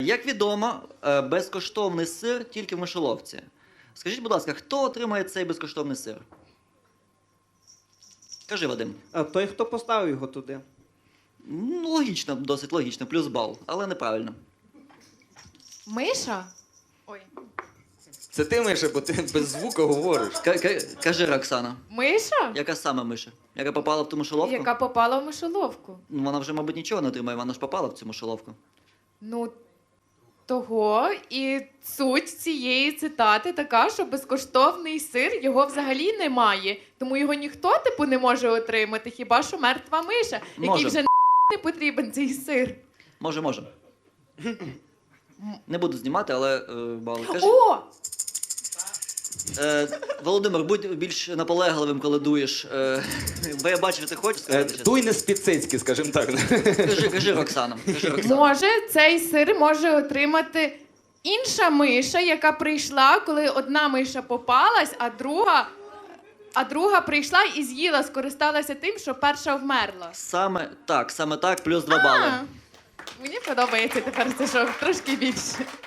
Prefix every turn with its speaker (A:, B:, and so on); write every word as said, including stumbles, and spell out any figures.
A: Як відомо, е, безкоштовний сир тільки в мишоловці. Скажіть, будь ласка, хто отримає цей безкоштовний сир? Кажи, Вадим.
B: А той, хто поставив його туди.
A: Ну, логічно, досить логічно, плюс бал, але неправильно.
C: Миша? Ой.
D: Це ти, Миша, бо ти без звука говориш.
A: К- к- кажи, Роксана,
C: Миша?
A: яка саме миша? Яка попала в ту мишоловку?
C: Яка попала в мишоловку.
A: Ну, вона вже, мабуть, нічого не отримає, вона ж попала в цю мишоловку.
C: Ну, того і суть цієї цитати така, що безкоштовний сир його взагалі немає. Тому його ніхто, типу, не може отримати, хіба що мертва миша,
A: Може.
C: якій вже не потрібен цей сир.
A: Може, може. Не буду знімати, але е, бал. Кажи.
C: О!
A: Е, Володимир, будь більш наполегливим, коли дуєш. Е, бо я бачу, ти хочеш
D: Е,
A: сказати щось.
D: Дуй не з-під скажімо так.
A: Кажи, кажи, Роксана. Кажи, Роксана.
C: Може, цей сир може отримати інша миша, яка прийшла, коли одна миша попалась, а друга, а друга прийшла і з'їла, скористалася тим, що перша вмерла.
A: Саме так, саме так, плюс два бали.
C: А, мені подобається тепер це шоу трошки більше.